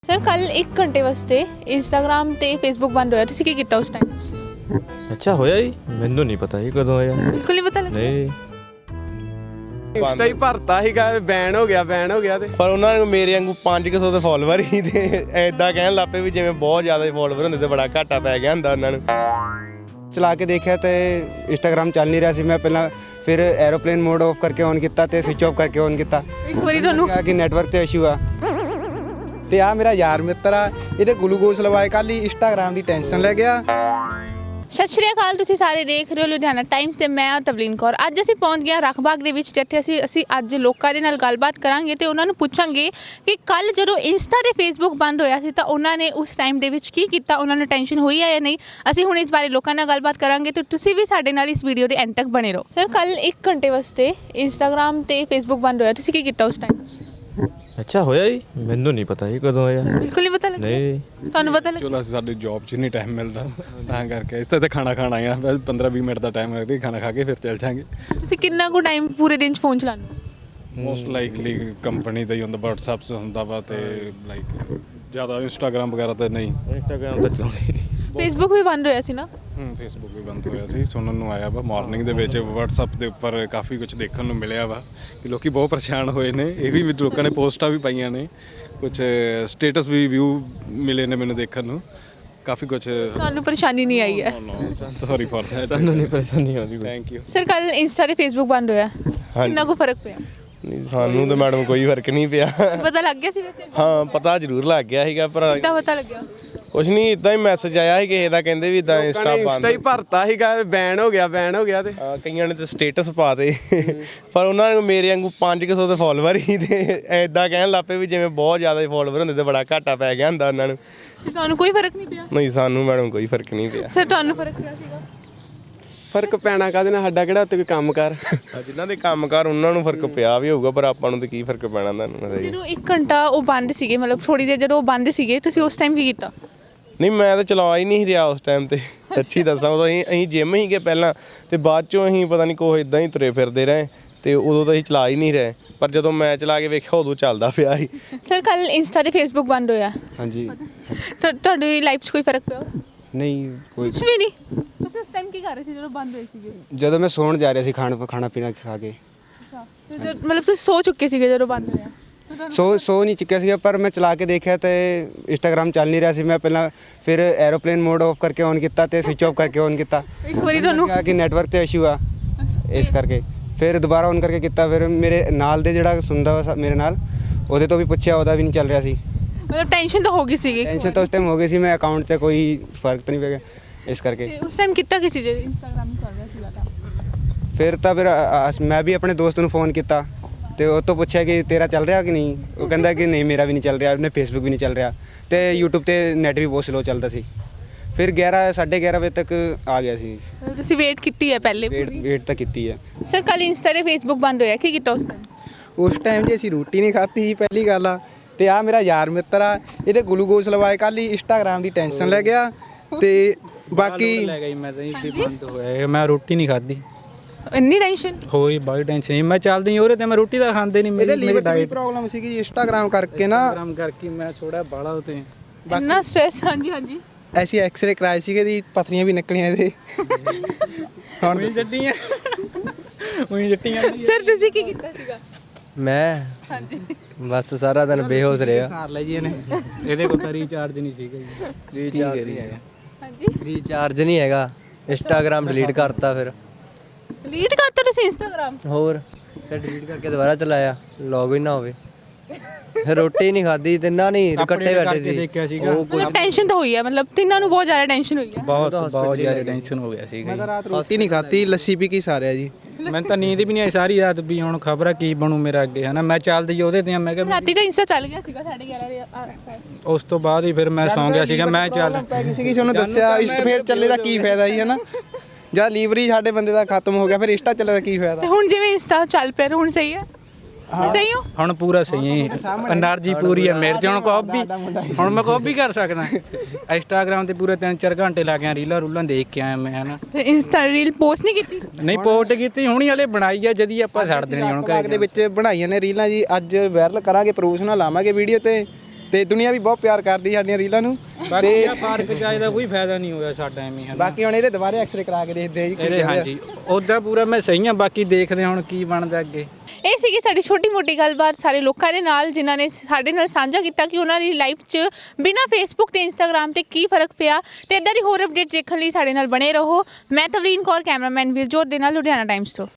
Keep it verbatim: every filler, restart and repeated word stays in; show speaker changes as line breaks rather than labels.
Sir ਕੱਲ ਇੱਕ ਘੰਟੇ ਵਾਸਤੇ ਇੰਸਟਾਗ੍ਰਾਮ ਤੇ ਫੇਸਬੁੱਕ ਬੰਦ ਹੋਇਆ, ਤੁਸੀਂ ਕੀ ਕੀਤਾ ਉਸ ਟਾਈਮ?
ਅੱਛਾ ਹੋਇਆ ਜੀ, ਮੈਨੂੰ ਨਹੀਂ ਪਤਾ ਜੀ ਕਦੋਂ ਹੋਇਆ।
ਬਿਲਕੁਲ ਨਹੀਂ ਪਤਾ ਲੱਗਿਆ।
ਨਹੀਂ
ਇੰਸਟਾ ਹੀ ਭਰਤਾ ਸੀਗਾ, ਬੈਨ ਹੋ ਗਿਆ ਬੈਨ ਹੋ ਗਿਆ ਤੇ
ਪਰ ਉਹਨਾਂ ਨੂੰ ਮੇਰੇ ਵਾਂਗੂ ਪੰਜ ਕੁ ਸੌ ਦੇ ਫੋਲੋਵਰ ਹੀ ਤੇ ਐਦਾਂ ਕਹਿਣ ਲੱਗ ਪਏ ਵੀ ਜਿਵੇਂ ਬਹੁਤ ਜ਼ਿਆਦਾ ਫੋਲੋਵਰ ਹੁੰਦੇ ਤੇ ਬੜਾ ਘਾਟਾ ਪੈ ਗਿਆ ਹੁੰਦਾ ਉਹਨਾਂ ਨੂੰ।
ਚਲਾ ਕੇ ਦੇਖਿਆ ਤੇ ਇੰਸਟਾਗ੍ਰਾਮ ਚੱਲ ਨਹੀਂ ਰਿਹਾ ਸੀ। ਮੈਂ ਪਹਿਲਾਂ ਫਿਰ ਐਰੋਪਲੇਨ ਮੋਡ ਆਫ ਕਰਕੇ ਔਨ ਕੀਤਾ ਤੇ ਸਵਿਚ ਆਫ ਕਰਕੇ ਔਨ ਕੀਤਾ।
ਇੱਕ ਵਾਰੀ ਤੁਹਾਨੂੰ
ਕਿਹਾ ਕਿ ਨੈਟਵਰਕ ਤੇ ਇਸ਼ੂ ਆ।
ਤੇ ਆ ਮੇਰਾ ਯਾਰ ਮਿੱਤਰ ਆ, ਇਹਦੇ ਗਲੂਕੋਜ਼ ਲਵਾਏ ਕੱਲ ਹੀ ਇੰਸਟਾਗ੍ਰਾਮ ਦੀ ਟੈਨਸ਼ਨ ਲੈ ਗਿਆ।
ਸਤਿ ਸ਼੍ਰੀ ਅਕਾਲ, ਤੁਸੀਂ ਸਾਰੇ ਦੇਖ ਰਹੇ ਹੋ ਲੁਧਿਆਣਾ ਟਾਈਮਸ ਤੇ ਮੈਂ ਹਾਂ ਤਵਲੀਨ ਕੌਰ। ਅੱਜ ਅਸੀਂ ਪਹੁੰਚ ਗਏ ਹਾਂ ਰੱਖਬਾਗ ਦੇ ਵਿੱਚ, ਜਿੱਥੇ ਅਸੀਂ ਅਸੀਂ ਅੱਜ ਲੋਕਾਂ ਦੇ ਨਾਲ ਗੱਲਬਾਤ ਕਰਾਂਗੇ ਤੇ ਉਹਨਾਂ ਨੂੰ ਪੁੱਛਾਂਗੇ ਕਿ ਕੱਲ ਜਦੋਂ ਇੰਸਟਾ ਤੇ ਫੇਸਬੁੱਕ ਬੰਦ ਹੋਇਆ ਸੀ ਤਾਂ ਉਹਨਾਂ ਨੇ ਉਸ ਟਾਈਮ ਦੇ ਵਿੱਚ ਕੀ ਕੀਤਾ, ਉਹਨਾਂ ਨੂੰ ਟੈਨਸ਼ਨ ਹੋਈ ਹੈ ਜਾਂ ਨਹੀਂ। ਅਸੀਂ ਹੁਣ ਇਸ ਬਾਰੇ ਲੋਕਾਂ ਨਾਲ ਗੱਲਬਾਤ ਕਰਾਂਗੇ ਤੇ ਤੁਸੀਂ ਵੀ ਸਾਡੇ ਨਾਲ ਇਸ ਵੀਡੀਓ ਦੇ ਐਂਡ ਤੱਕ ਬਣੇ ਰਹੋ। ਸਰ ਕੱਲ ਇੱਕ ਘੰਟੇ ਵਾਸਤੇ ਇੰਸਟਾਗ੍ਰਾਮ ਤੇ ਫੇਸਬੁੱਕ ਬੰਦ ਹੋਇਆ, ਤੁਸੀਂ ਕੀ ਕੀਤਾ ਉਸ ਟਾਈਮ?
ਅੱਛਾ ਹੋਇਆ ਜੀ, ਮੈਨੂੰ ਨਹੀਂ ਪਤਾ ਜੀ ਕਦੋਂ ਹੋਇਆ।
ਬਿਲਕੁਲ ਨਹੀਂ ਪਤਾ ਲੱਗਿਆ।
ਨਹੀਂ
ਤੁਹਾਨੂੰ ਪਤਾ ਲੱਗਿਆ?
ਚਲੋ ਸਾਡੇ ਜੌਬ 'ਚ ਨਹੀਂ ਟਾਈਮ ਮਿਲਦਾ ਤਾਂ ਕਰਕੇ ਇਸ ਤੇ ਖਾਣਾ ਖਾਣਾ ਆ ਪੰਦਰਾਂ ਵੀਹ ਮਿੰਟ ਦਾ ਟਾਈਮ ਲੱਗਦਾ, ਖਾਣਾ ਖਾ ਕੇ ਫਿਰ ਚੱਲ ਜਾਂਗੇ।
ਤੁਸੀਂ ਕਿੰਨਾ ਕੁ ਟਾਈਮ ਪੂਰੇ ਦਿਨ 'ਚ ਫੋਨ ਚਲਾਉਂਦੇ ਹੋ?
ਮੋਸਟ ਲਾਈਕਲੀ ਕੰਪਨੀ ਦਾ ਹੀ ਹੁੰਦਾ, WhatsApp ਹੁੰਦਾ ਵਾ ਤੇ ਲਾਈਕ ਜ਼ਿਆਦਾ ਇੰਸਟਾਗ੍ਰਾਮ ਵਗੈਰਾ ਤਾਂ ਨਹੀਂ।
ਇੰਸਟਾਗ੍ਰਾਮ ਤਾਂ ਚਲਾਉਂਦੇ ਨਹੀਂ।
ਫੇਸਬੁੱਕ ਵੀ ਬੰਦ ਹੋਇਆ ਸੀ ਨਾ?
ਹੂੰ ਫੇਸਬੁੱਕ ਵੀ ਬੰਦ ਹੋਇਆ ਸੀ, ਸੁਣਨ ਨੂੰ ਆਇਆ ਵਾ ਮਾਰਨਿੰਗ ਦੇ ਵਿੱਚ WhatsApp ਦੇ ਉੱਪਰ ਕਾਫੀ ਕੁਝ ਦੇਖਣ ਨੂੰ ਮਿਲਿਆ ਵਾ ਕਿ ਲੋਕੀ ਬਹੁਤ ਪਰੇਸ਼ਾਨ ਹੋਏ ਨੇ। ਇਹ ਵੀ ਲੋਕਾਂ ਨੇ ਪੋਸਟਾਂ ਵੀ ਪਾਈਆਂ ਨੇ, ਕੁਝ ਸਟੇਟਸ ਵੀ ਵਿਊ ਮਿਲੇ ਨੇ ਮੈਨੂੰ ਦੇਖਣ ਨੂੰ, ਕਾਫੀ ਕੁਝ।
ਤੁਹਾਨੂੰ ਪਰੇਸ਼ਾਨੀ ਨਹੀਂ ਆਈ ਹੈ?
ਸੌਰੀ ਫॉर दैट,
ਸਾਨੂੰ ਨਹੀਂ ਪਰੇਸ਼ਾਨੀ ਆਉਂਦੀ।
Thank you.
ਸਰ ਕੱਲ ਇੰਸਟਾ ਤੇ ਫੇਸਬੁੱਕ ਬੰਦ ਹੋਇਆ, ਕਿੰਨਾ ਕੁ ਫਰਕ ਪਿਆ?
ਨਹੀਂ ਸਾਨੂੰ ਤਾਂ ਮੈਡਮ ਕੋਈ ਫਰਕ ਨਹੀਂ ਪਿਆ।
ਪਤਾ ਲੱਗ ਗਿਆ ਸੀ ਵੈਸੇ?
ਹਾਂ ਪਤਾ ਜ਼ਰੂਰ ਲੱਗ ਗਿਆ ਸੀਗਾ, ਪਰ
ਕਿੱਦਾਂ ਪਤਾ ਲੱਗਿਆ?
ਕੁਛ ਨਹੀਂ, ਇਦਾਂ ਹੀ ਮੈਸੇਜ ਆਇਆ ਸੀ ਕਿਸੇ ਦਾ, ਕਹਿੰਦੇ ਵੀ ਇਦਾਂ ਇੰਸਟਾ ਬੰਦ।
ਇੰਸਟਾ ਹੀ ਭਰਤਾ ਸੀਗਾ, ਬੈਨ ਹੋ ਗਿਆ ਬੈਨ ਹੋ ਗਿਆ ਤੇ
ਹਾਂ, ਕਈਆਂ ਨੇ ਤਾਂ ਸਟੇਟਸ ਪਾ ਦੇ ਪਰ ਉਹਨਾਂ ਨੂੰ ਮੇਰੇ ਵਾਂਗੂ ਪੰਜ ਕੁ ਸੌ ਦੇ ਫੋਲੋਵਰ ਹੀ ਤੇ ਐਦਾਂ ਕਹਿਣ ਲੱਗ ਪਏ ਵੀ ਜਿਵੇਂ ਬਹੁਤ ਜ਼ਿਆਦਾ ਫੋਲੋਵਰ ਹੁੰਦੇ ਤੇ ਬੜਾ ਘਾਟਾ ਪੈ ਗਿਆ ਹੁੰਦਾ ਉਹਨਾਂ ਨੂੰ।
ਤੇ ਤੁਹਾਨੂੰ ਕੋਈ ਫਰਕ ਨਹੀਂ ਪਿਆ?
ਨਹੀਂ ਸਾਨੂੰ ਮੈਡਮ ਕੋਈ ਫਰਕ ਨਹੀਂ ਪਿਆ।
ਸਰ ਤੁਹਾਨੂੰ ਫਰਕ ਪਿਆ ਸੀਗਾ?
ਫਰਕ ਪੈਣਾ ਕਾਹਦੇ ਨਾਲ, ਸਾਡਾ ਕਿਹੜਾ ਉੱਤੇ ਕੋਈ ਕੰਮ ਕਰ।
ਜਿਨ੍ਹਾਂ ਦੇ ਕੰਮਕਾਰ ਉਹਨਾਂ ਨੂੰ ਫਰਕ ਪਿਆ ਵੀ ਹੋਊਗਾ, ਪਰ ਆਪਾਂ ਨੂੰ ਤਾਂ ਕੀ ਫਰਕ ਪੈਣਾ ਤੁਹਾਨੂੰ।
ਜਦੋਂ ਇੱਕ ਘੰਟਾ ਉਹ ਬੰਦ ਸੀਗੇ, ਮਤਲਬ ਥੋੜੀ ਦੇਰ ਜਦੋਂ ਉਹ ਬੰਦ ਸੀਗੇ, ਤੁਸੀਂ ਉਸ ਟਾਈਮ ਕੀ ਕੀਤਾ?
ਨਹੀਂ ਮੈਂ ਤਾਂ ਚਲਾ ਹੀ ਨਹੀਂ ਰਿਹਾ ਉਸ ਟਾਈਮ ਤੇ, ਸੱਚੀ ਦੱਸਾਂ। ਉਦੋਂ ਅਸੀਂ ਅਸੀਂ ਜਿਮ ਹੀ ਗਏ ਪਹਿਲਾਂ ਤੇ ਬਾਅਦ ਚੋਂ ਅਸੀਂ ਪਤਾ ਨਹੀਂ ਕੋਹ ਇਦਾਂ ਹੀ ਤੁਰੇ ਫਿਰਦੇ ਰਹੇ ਤੇ ਉਦੋਂ ਤਾਂ ਅਸੀਂ ਚਲਾ ਹੀ ਨਹੀਂ ਰਹੇ, ਪਰ ਜਦੋਂ ਮੈਂ ਚਲਾ ਕੇ ਵੇਖਿਆ ਉਦੋਂ ਚੱਲਦਾ ਪਿਆ ਸੀ।
ਸਰ ਕੱਲ ਇੰਸਟਾ ਤੇ ਫੇਸਬੁੱਕ ਬੰਦ ਹੋਇਆ,
ਹਾਂਜੀ
ਤਾਂ ਤੁਹਾਡੀ ਲਾਈਫ 'ਚ ਕੋਈ ਫਰਕ ਪਿਆ?
ਨਹੀਂ ਕੋਈ।
ਕੁਝ ਵੀ ਨਹੀਂ। ਤੁਸੀਂ ਉਸ ਟਾਈਮ ਕੀ ਕਰ ਰਹੇ ਸੀ ਜਦੋਂ ਬੰਦ ਹੋਏ ਸੀਗੇ?
ਜਦੋਂ ਮੈਂ ਸੌਣ ਜਾ ਰਿਹਾ ਸੀ ਖਾਣਾ ਖਾਣਾ ਪੀਣਾ ਖਾ ਕੇ।
ਅੱਛਾ, ਤੇ ਜਦ- ਮਤਲਬ ਤੁਸੀਂ ਸੋ ਚੁੱਕੇ ਸੀਗੇ ਜਦੋਂ ਬੰਦ ਹੋਇਆ? ਤਾਂ ਤੁਹਾਨੂੰ-
ਸੋ ਸੋ ਨਹੀਂ ਚੁੱਕਿਆ ਸੀਗਾ, ਪਰ ਮੈਂ ਚਲਾ ਕੇ ਦੇਖਿਆ ਤੇ ਇੰਸਟਾਗ੍ਰਾਮ ਚੱਲ ਨਹੀਂ ਰਿਹਾ ਸੀ। ਮੈਂ ਪਹਿਲਾਂ ਫਿਰ ਐਰੋਪਲੇਨ ਮੋਡ ਆਫ ਕਰਕੇ ਔਨ ਕੀਤਾ ਤੇ ਸਵਿਚ ਆਫ ਕਰਕੇ ਔਨ ਕੀਤਾ।
ਇੱਕ ਵਾਰੀ ਤੁਹਾਨੂੰ
ਕਿਹਾ ਕਿ ਨੈਟਵਰਕ ਤੇ ਇਸ਼ੂ ਆ, ਇਸ ਕਰਕੇ ਫਿਰ ਦੁਬਾਰਾ ਔਨ ਕਰਕੇ ਕੀਤਾ। ਫਿਰ ਮੇਰੇ ਨਾਲ ਦੇ ਜਿਹੜਾ ਸੁਣਦਾ ਵਾ ਮੇਰੇ ਨਾਲ, ਉਹਦੇ ਤੋਂ ਵੀ ਪੁੱਛਿਆ, ਉਹਦਾ ਵੀ ਨਹੀਂ ਚੱਲ ਰਿਹਾ ਸੀ।
ਮਤਲਬ ਟੈਨਸ਼ਨ ਤਾਂ ਹੋ ਗਈ ਸੀਗੀ?
ਟੈਨਸ਼ਨ ਤਾਂ ਉਸ ਟਾਈਮ ਹੋ ਗਈ ਸੀ, ਮੈਂ ਅਕਾਊਂਟ 'ਤੇ ਕੋਈ ਫਰਕ ਤਾਂ ਨਹੀਂ ਪੈ ਗਿਆ ਇਸ ਕਰਕੇ।
ਤੇ ਉਸ ਟਾਈਮ ਕੀਤਾ ਕਿਸੇ ਜੇ ਇੰਸਟਾਗ੍ਰਾਮ ਚੱਲ ਰਿਹਾ ਸੀਗਾ ਤਾਂ?
ਫਿਰ ਤਾਂ ਫਿਰ ਅ- ਅ- ਮੈਂ ਵੀ ਆਪਣੇ ਦੋਸਤ ਨੂੰ ਫ਼ੋਨ ਕੀਤਾ ਤੇ ਉਹ ਤੋਂ ਪੁੱਛਿਆ ਕਿ ਤੇਰਾ ਚੱਲ ਰਿਹਾ ਕਿ ਨਹੀਂ। ਉਹ ਕਹਿੰਦਾ ਕਿ ਨਹੀਂ ਮੇਰਾ ਵੀ ਨਹੀਂ ਚੱਲ ਰਿਹਾ, ਉਹਨੇ ਫੇਸਬੁੱਕ ਵੀ ਨਹੀਂ ਚੱਲ ਰਿਹਾ ਤੇ YouTube ਤੇ ਨੈਟ ਵੀ ਬਹੁਤ ਸਲੋ ਚੱਲਦਾ ਸੀ। ਫਿਰ ਗਿਆਰਾਂ ਸਾਢੇ ਗਿਆਰਾਂ ਵਜੇ ਤੱਕ ਆ ਗਿਆ ਸੀ।
ਮਤਲਬ ਤੁਸੀਂ ਵੇਟ ਕੀਤੀ ਹੈ ਪਹਿਲੇ
ਵੇਟ
ਪੂਰੀ?
ਵੇਟ ਤਾਂ ਕੀਤੀ ਹੈ।
ਸਰ ਕੱਲ ਇੰਸਟਾ ਤੇ ਫੇਸਬੁੱਕ ਬੰਦ ਹੋਇਆ, ਕੀ ਕੀਤਾ ਉਸ ਟਾਈਮ?
ਉਸ ਟਾਈਮ ਜੇ ਅਸੀਂ ਰੋਟੀ ਨਹੀਂ ਖਾਧੀ ਸੀ, ਪਹਿਲੀ ਗੱਲ ਆ। ਤੇ ਆ ਮੇਰਾ ਯਾਰ ਮਿੱਤਰ ਆ, ਇਹਦੇ ਗਲੂਕੋਜ਼ ਲਵਾਏ ਕੱਲ ਹੀ ਇੰਸਟਾਗ੍ਰਾਮ ਦੀ ਟੈਨਸ਼ਨ ਲੈ ਗਿਆ। ਤੇ ਬਾਕੀ
ਲੈ ਗਈ ਮੈਂ ਤਾਂ ਜੀ ਬੰਦ ਹੋਇਆ, ਮੈਂ ਰੋਟੀ ਨਹੀਂ ਖਾਧੀ।
ਇੰਨੀ ਟੈਨਸ਼ਨ?
ਹੋਈ ਬਾਈ ਟੈਨਸ਼ਨ ਸੀ, ਮੈਂ ਚੱਲਦੀ ਉਹਦੇ ਤੇ ਮੈਂ ਰੋਟੀ ਤਾਂ ਖਾਂਦੇ ਨਹੀਂ।
ਇਹਦੇ
ਮੇਰੀ ਮੇਰੀ
ਲੀਵਰ ਦੀ
ਡਾਈਟ
ਪ੍ਰੋਬਲਮ ਸੀਗੀ ਇੰਸਟਾਗ੍ਰਾਮ ਕਰਕੇ ਨਾ।
ਪ੍ਰੋਗਰਾਮ ਕਰਕੇ ਮੈਂ ਥੋੜਾ ਬਾਲਾ ਉਤੇ
ਇੰਨਾ ਸਟ੍ਰੈਸ? ਹਾਂਜੀ ਹਾਂਜੀ।
ਐਸੀ ਐਕਸ-ਰੇ ਕਰਾਏ ਸੀਗੇ, ਦੀ ਪਥਰੀਆਂ ਵੀ ਨਿਕਲੀਆਂ ਇਹਦੇ।
ਹੁਣ ਵੀ ਜੱਟੀਆਂ ਉਹੀ ਜੱਟੀਆਂ।
ਸਰ ਤੁਸੀਂ ਕੀ ਕੀਤਾ ਸੀਗਾ?
ਮੈਂ
ਹਾਂਜੀ।
ਬਸ ਸਾਰਾ ਦਿਨ ਬੇਹੋਸ਼ ਰਿਹਾ।
ਸਾਰ ਲਈ ਜੀ ਇਹਨੇ।
ਇਹਦੇ ਕੋਲ ਤਾਂ ਰੀਚਾਰਜ ਨਹੀਂ ਸੀਗਾ ਜੀ।
ਰੀਚਾਰਜ ਨਹੀਂ ਹੈਗਾ।
ਹਾਂਜੀ,
ਰੀਚਾਰਜ ਨਹੀਂ ਹੈਗਾ, ਇੰਸਟਾਗ੍ਰਾਮ ਡਿਲੀਟ ਕਰਤਾ। ਫਿਰ
ਡਿਲੀਟ ਕਰਤਾ ਤੁਸੀਂ ਇੰਸਟਾਗ੍ਰਾਮ?
ਹੋਰ ਤੇ ਡਿਲੀਟ ਕਰਕੇ ਦੁਬਾਰਾ ਚਲਾਇਆ, ਲੌਗਇਨ ਨਾ ਹੋਵੇ। ਰੋਟੀ ਨਹੀਂ ਖਾਧੀ, ਤਿੰਨਾਂ ਨਹੀਂ ਇਕੱਠੇ ਬੈਠੇ ਸੀ।
ਦੇਖਿਆ ਸੀਗਾ,
ਮਤਲਬ ਟੈਨਸ਼ਨ ਤਾਂ ਹੋਈ ਹੈ, ਮਤਲਬ ਤਿੰਨਾਂ ਨੂੰ ਬਹੁਤ ਜ਼ਿਆਦਾ ਟੈਨਸ਼ਨ ਹੋਈ ਹੈ।
ਬਹੁਤ ਬਹੁਤ ਜ਼ਿਆਦਾ ਟੈਨਸ਼ਨ ਹੋ ਗਿਆ ਸੀਗਾ
ਮੈਂ ਤਾਂ ਰਾਤ ਰੋਟੀ ਨਹੀਂ ਖਾਧੀ, ਲੱਸੀ ਪੀ ਕੇ ਸਾਰਿਆ ਜੀ।
ਮੈਨੂੰ ਤਾਂ ਨੀਂਦ ਵੀ ਨਹੀਂ ਆਈ ਸਾਰੀ ਰਾਤ ਵੀ ਹੁਣ ਖਬਰ ਆ ਕੀ ਬਣੂ ਮੇਰਾ ਅੱਗੇ, ਹਨਾ। ਮੈਂ ਚੱਲਦੀ ਉਹਦੇ ਤੇ ਆ, ਮੈਂ ਕਿਹਾ
ਰਾਤੀ ਤਾਂ ਇੰਸਟਾ ਚੱਲ ਗਿਆ ਸੀਗਾ ਸਾਢੇ ਗਿਆਰਾਂ ਦੇ ਆਸ-ਪਾਸ।
ਉਸ ਤੋਂ ਬਾਅਦ ਹੀ ਫਿਰ ਮੈਂ ਸੌਂ ਗਿਆ ਸੀਗਾ। ਮੈਂ ਚੱਲ
ਪੈ ਗਈ ਸੀਗੀ, ਉਹਨੂੰ ਦੱਸਿਆ ਇੰਸਟ ਫੇਰ ਚੱਲੇ ਦਾ ਕੀ ਫਾਇਦਾ ਜੀ, ਹਨਾ। ਜਦ ਲੀਵਰ ਹੀ ਸਾਡੇ ਬੰਦੇ ਦਾ ਖਤਮ ਹੋ ਗਿਆ, ਫਿਰ ਇੰਸਟਾ ਚੱਲੇ ਦਾ ਕੀ
ਤੇ
ਫਾਇਦਾ।
ਹੁਣ ਜਿਵੇਂ ਇੰਸਟਾ ਚੱਲ ਪਿਆ, ਹੁਣ ਸਹੀ ਹੈ? ਸਹੀ ਹੋ?
ਹੁਣ ਪੂਰਾ ਸਹੀ ਹੈ, એનર્ਜੀ ਪੂਰੀ ਹੈ ਮੇਰੇ 'ਚ। ਹੁਣ ਕਾਪੀ ਹੁਣ ਮੈਂ ਕਾਪੀ ਕਰ ਸਕਦਾ। ਇੰਸਟਾਗ੍ਰਾਮ ਤੇ ਪੂਰੇ ਤਿੰਨ ਚਾਰ ਘੰਟੇ ਲਾ ਗਿਆ, ਰੀਲਾਂ ਰੂਲਾਂ ਦੇਖ ਕੇ ਆਇਆ ਮੈਂ, ਹਨਾ।
ਤੇ ਇੰਸਟਾ ਰੀਲ ਪੋਸਟ ਨਹੀਂ ਕੀਤੀ?
ਨਹੀਂ ਪੋਸਟ ਕੀਤੀ, ਹੁਣੀ ਹਲੇ ਬਣਾਈ ਆ, ਜਦੀ ਆਪਾਂ ਛੱਡ ਦੇਣੀ ਹੁਣ
ਘਰ ਦੇ
ਘਰੇ।
ਵਿੱਚ ਬਣਾਈਆਂ ਨੇ ਰੀਲਾਂ ਜੀ, ਅੱਜ ਵਾਇਰਲ ਕਰਾਂਗੇ, ਪ੍ਰੋਮੋਸ਼ਨਾਂ ਲਾਵਾਂਗੇ ਵੀਡੀਓ ਤੇ। ਤੇ ਦੁਨੀਆ ਵੀ ਬਹੁਤ ਪਿਆਰ ਕਰਦੀ ਸਾਡੀਆਂ ਰੀਲਾਂ ਨੂੰ
ਬਾਕੀ ਆ ਪਾਰਕ ਜਾਏ ਦਾ ਕੋਈ ਫਾਇਦਾ ਨਹੀਂ ਹੋਇਆ ਸਾਡਾ ਐਵੇਂ ਹਨ
ਬਾਕੀ ਹੁਣ ਇਹਦੇ ਦੁਬਾਰੇ ਐਕਸਰੇ ਕਰਾ ਕੇ ਦੇਖਦੇ ਆ ਜੀ ਕੀ
ਇਹਦੇ
ਕਹਿੰਦੇ ਆ।
ਹਾਂਜੀ ਉੱਦਾਂ ਪੂਰਾ ਮੈਂ ਸਹੀ ਹਾਂ ਬਾਕੀ ਦੇਖਦੇ ਹਾਂ ਹੁਣ ਕੀ ਬਣਦਾ ਅੱਗੇ।
ਇਹ ਸੀਗੀ ਸਾਡੀ ਛੋਟੀ ਮੋਟੀ ਗੱਲਬਾਤ ਸਾਰੇ ਲੋਕਾਂ ਦੇ ਨਾਲ ਜਿਨ੍ਹਾਂ ਨੇ ਸਾਡੇ ਨਾਲ ਸਾਂਝਾ ਕੀਤਾ ਕਿ ਉਹਨਾਂ ਦੀ ਲਾਈਫ 'ਚ ਬਿਨਾਂ ਫੇਸਬੁੱਕ ਤੇ ਇੰਸਟਾਗ੍ਰਾਮ ਤੇ ਕੀ ਫਰਕ ਪਿਆ ਤੇ ਇੱਦਾਂ ਦੀ ਹੋਰ ਅਪਡੇਟ ਦੇਖਣ ਲਈ ਸਾਡੇ ਨਾਲ ਬਣੇ ਰਹੋ। ਮੈਂ ਤਵਲੀਨ ਕੌਰ, ਕੈਮਰਾਮੈਨ ਵੀਰਜੋਤ ਦੇ ਨਾਲ, ਲੁਧਿਆਣਾ ਟਾਈਮਸ ਤੋਂ।